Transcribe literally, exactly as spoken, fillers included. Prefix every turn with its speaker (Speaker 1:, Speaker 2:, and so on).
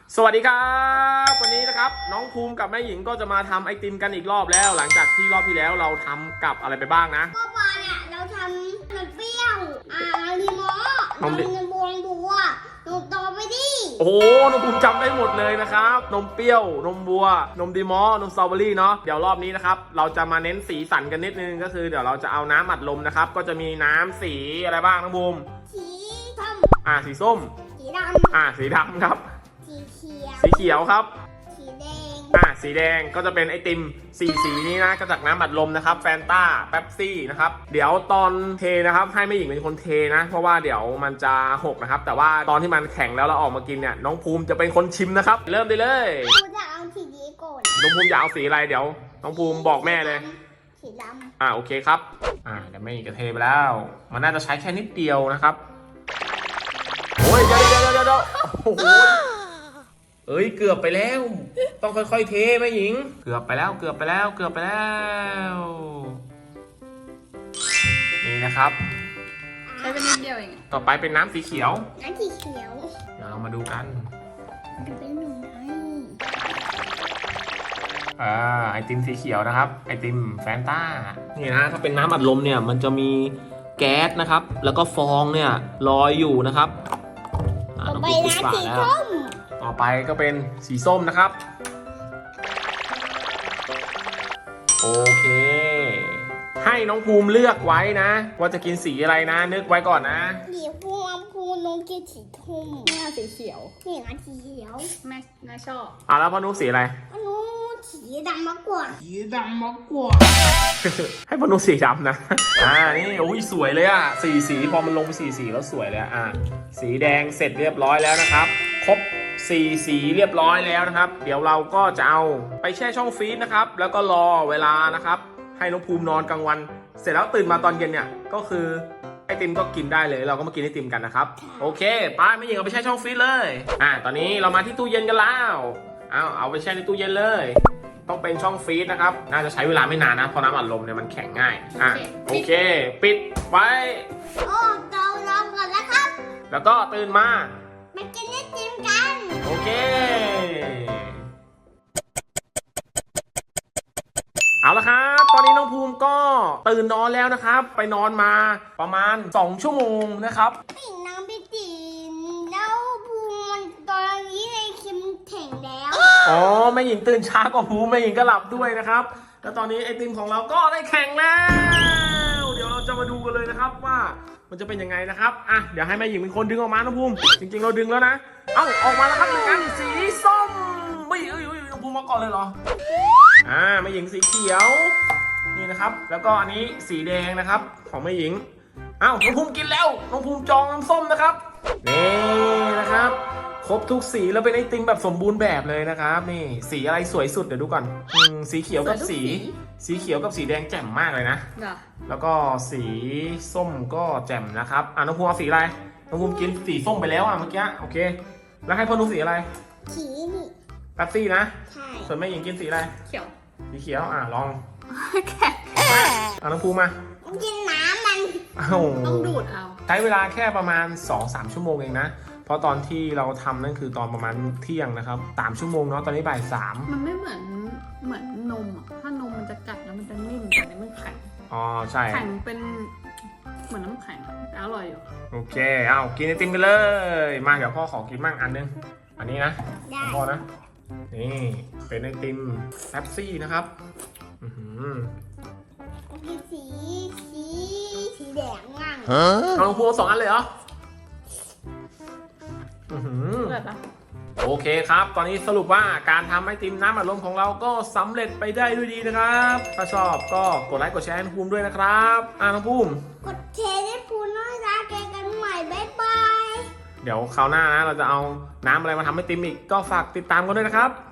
Speaker 1: สวัสดีครับวันนี้นะครับน้องภูมิกับแม่หญิงก็จะมาทำไอติมกันอีกรอบแล้ว หลังจากที่รอบที่แล้วเราทำกับอะไรไปบ้างนะ
Speaker 2: เมื่อวานเนี่ยเราทำนมเปรี้ยวอ่าลีมอนมนมบวงบัวนมโตไปดิ
Speaker 1: โอ้โหน้องภูมิจำได้หมดเลยนะครับนมเปรี้ยวนมบัวนมดีมอนมสตรอเบอรี่เนาะเดี๋ยวรอบนี้นะครับเราจะมาเน้นสีสันกันนิดนึงก็คือเดี๋ยวเราจะเอาน้ำอัดลมนะครับก็จะมีน้ำสีอะไรบ้างน้องภูมิ
Speaker 2: สีส้ม
Speaker 1: อ่าสีส้ม
Speaker 2: สีดำ
Speaker 1: อ่าสีดำครับ
Speaker 2: สีเขียว
Speaker 1: สีเขียวครับ
Speaker 2: สีแดง
Speaker 1: อ่าสีแดงก็จะเป็นไอติมสีสีนี้นะก็จากน้ำอัดลมนะครับแฟนต้าเป๊ปซี่นะครับเดี๋ยวตอนเทนะครับให้แม่หญิงเป็นคนเทนะเพราะว่าเดี๋ยวมันจะหกนะครับแต่ว่าตอนที่มันแข็งแล้วเราออกมากินเนี่ยน้องภูมิจะเป็นคนชิมนะครับเริ่มได้เลย
Speaker 2: ภูมิจะเอาสีนี้ก่อน
Speaker 1: น้องภูมิอยากเอาสีอะไรเดี๋ยวน้องภูมิบอกแม่เลย
Speaker 2: สีดำ
Speaker 1: อ่าโอเคครับอ่าเดี๋ยวแม่หญิงจะเทไปแล้วมันน่าจะใช้แค่นิดเดียวนะครับโอ้ยเดี๋ยวเดี๋ยวเดี๋ยวเดี๋ยวโอ้โหเอ้ยเกือบไปแล้วต้องค่อยๆเทแม่หญิงเกือบไปแล้วเกือบไปแล้วเกือบไปแล้วนี่นะครับ
Speaker 3: ใช้เป็นนิดเดียวเอง
Speaker 1: ต่อไปเป็นน้ำสีเขียว
Speaker 2: น้ำสีเขียว
Speaker 1: เดี๋ยวเรามาดูกัน
Speaker 2: จะเป็นหนุ่มไง
Speaker 1: อ่าไอติมสีเขียวนะครับไอติมแฟนต้านี่นะถ้าเป็นน้ำอัดลมเนี่ยมันจะมีแก๊สนะครับแล้วก็ฟองเนี่ยลอยอยู่นะครับ
Speaker 2: ต่อไปน้ำสีส้ม
Speaker 1: ต่อไปก็เป็นสีส้มนะครับโอเคให้น้องภูมิเลือกไว้นะว่าจะกินสีอะไรนะนึกไว้ก่อนนะ
Speaker 2: สีภูมิภูมิน้องกินสีทุ่ม
Speaker 3: แม่สีเขียว
Speaker 2: นี่นะสีเขียว
Speaker 3: แม่แม่ชอบ
Speaker 1: อ่ะแล้วพ่อนุ๊กสีอะไร
Speaker 2: พ่อนุ๊กสีดำมากกว่า
Speaker 3: สีดำมากกว่า
Speaker 1: ให้พ่อนุ๊กสีดำนะอ่านี่โอ้ยสวยเลยอ่ะสีสีพอมันลงสีสีแล้วสวยเลยอ่ะสีแดงเสร็จเรียบร้อยแล้วนะครับครบสีสีเรียบร้อยแล้วนะครับเดี๋ยวเราก็จะเอาไปแช่ช่องฟรีซนะครับแล้วก็รอเวลานะครับให้น้องภูมินอนกลางวันเสร็จแล้วตื่นมาตอนเย็นเนี่ยก็คือไอติมก็กินได้เลยเราก็มากินไอติมกันนะครับโอเคไปไม่ยิงเอาไปแช่ช่องฟรีซเลยอ่าตอนนี้เรามาที่ตู้เย็นกันแล้วเอาเอาไปแช่ในตู้เย็นเลยต้องเป็นช่องฟรีซนะครับน่าจะใช้เวลาไม่นานนะเพราะน้ำอัดลมเนี่ยมันแข็งง่ายอ่ะโอเคปิดไว้
Speaker 2: โอ้เราลองก่อนนะครับ
Speaker 1: แล้วก็ตื่นมา
Speaker 2: มากินไอติมกัน
Speaker 1: โอเคเอาละครับตอนนี้น้องภูมิก็ตื่นนอนแล้วนะครับไปนอนมาประมาณสองชั่วโมงนะครับ
Speaker 2: ตื่นน้ำไปตีนแล้วภูมิตอนนี้ไอคิมแข็งแล้ว
Speaker 1: อ๋อแม่หญิงตื่นช้ากว่าภูมิแม่หญิงก็หลับด้วยนะครับแล้วตอนนี้ไอติมของเราก็ได้แข็งแล้วเดี๋ยวเราจะมาดูกันเลยนะครับว่ามันจะเป็นยังไงนะครับอ่ะเดี๋ยวให้แม่หญิงเป็นคนดึงออกมาน้องภูมิจริงๆเราดึงแล้วนะเอ้าออกมาแล้วครับหนึ่งอันสีส้มไม่เอ้ยเอ้ยน้องภูมิมาก่อนเลยเหรออ่าแม่หญิงสีเขียวนี่นะครับแล้วก็อันนี้สีแดงนะครับของแม่หญิงเอ้าน้องภูมิกินแล้วน้องภูมิจองน้ำส้มนะครับนี่นะครับครบทุกสีแล้วเป็นไอติมแบบสมบูรณ์แบบเลยนะครับนี่สีอะไรสวยสุดเดี๋ยวดูก่อนอืมสีเขียวกับสีสีเขียวกับสีแดงแจ่มมากเลยนะแล้วก็สีส้มก็แจ่มนะครับอ่ะน้องภูมิเอาสีอะไรน้องภูมิกินสีส้มไปแล้วอ่ะเมื่อกี้โอเคแล้วให้พ่อนุ๊กสีอะไร
Speaker 2: สีนี่
Speaker 1: แป๊บซี่นะ
Speaker 2: ใช่
Speaker 1: ส่วนแม่หญิงกินสีอะไร
Speaker 3: เขียว
Speaker 1: สีเขียวอ่ะลอง
Speaker 3: แข็ง
Speaker 1: เอาน้องภูมิมา
Speaker 2: กินน้ำมัน
Speaker 3: ต้องดูดเอา
Speaker 1: ใช้เวลาแค่ประมาณ สองถึงสาม ชั่วโมงเองนะเพราะตอนที่เราทำนั่นคือตอนประมาณเที่ยงนะครับสามชั่วโมงเนาะตอนนี้บ่ายสาม
Speaker 3: มันไม่เหมือนเหมือนนมอ่ะถ้านมมันจะกัดแล้วมันจะนิ่มแต่อันนี้มันแข็ง
Speaker 1: อ๋อใช่
Speaker 3: แข็งเป็นเหมือนน้ำแข็งแต่อร่อยอยู่
Speaker 1: โอเคเอากินไอติมกันเลยมาเดี๋ยวพ่อขอกินมั่งอันนึงอันนี้นะพ่อนะนี่เป็นไอติมแป๊บซี่นะครับอือหือ
Speaker 2: กินสีสีสีแดงมั่ง
Speaker 1: เอาลงพูสองอันเลยเหรอโอเคครับตอนนี้สรุปว่าการทำไอติมน้ำอัดลมของเราก็สำเร็จไปได้ด้วยดีนะครับถ้าชอบก็กดไลค์กดแชร์ให้น้องภูมิด้วยนะครับอ่าน้องภูมิ
Speaker 2: กดแชร์ให้ภูมิด้วยนะเจอกันใหม่บ๊ายบาย
Speaker 1: เดี๋ยวคราวหน้านะเราจะเอาน้ำอะไรมาทำไอติมอีกก็ฝากติดตามกันด้วยนะครับ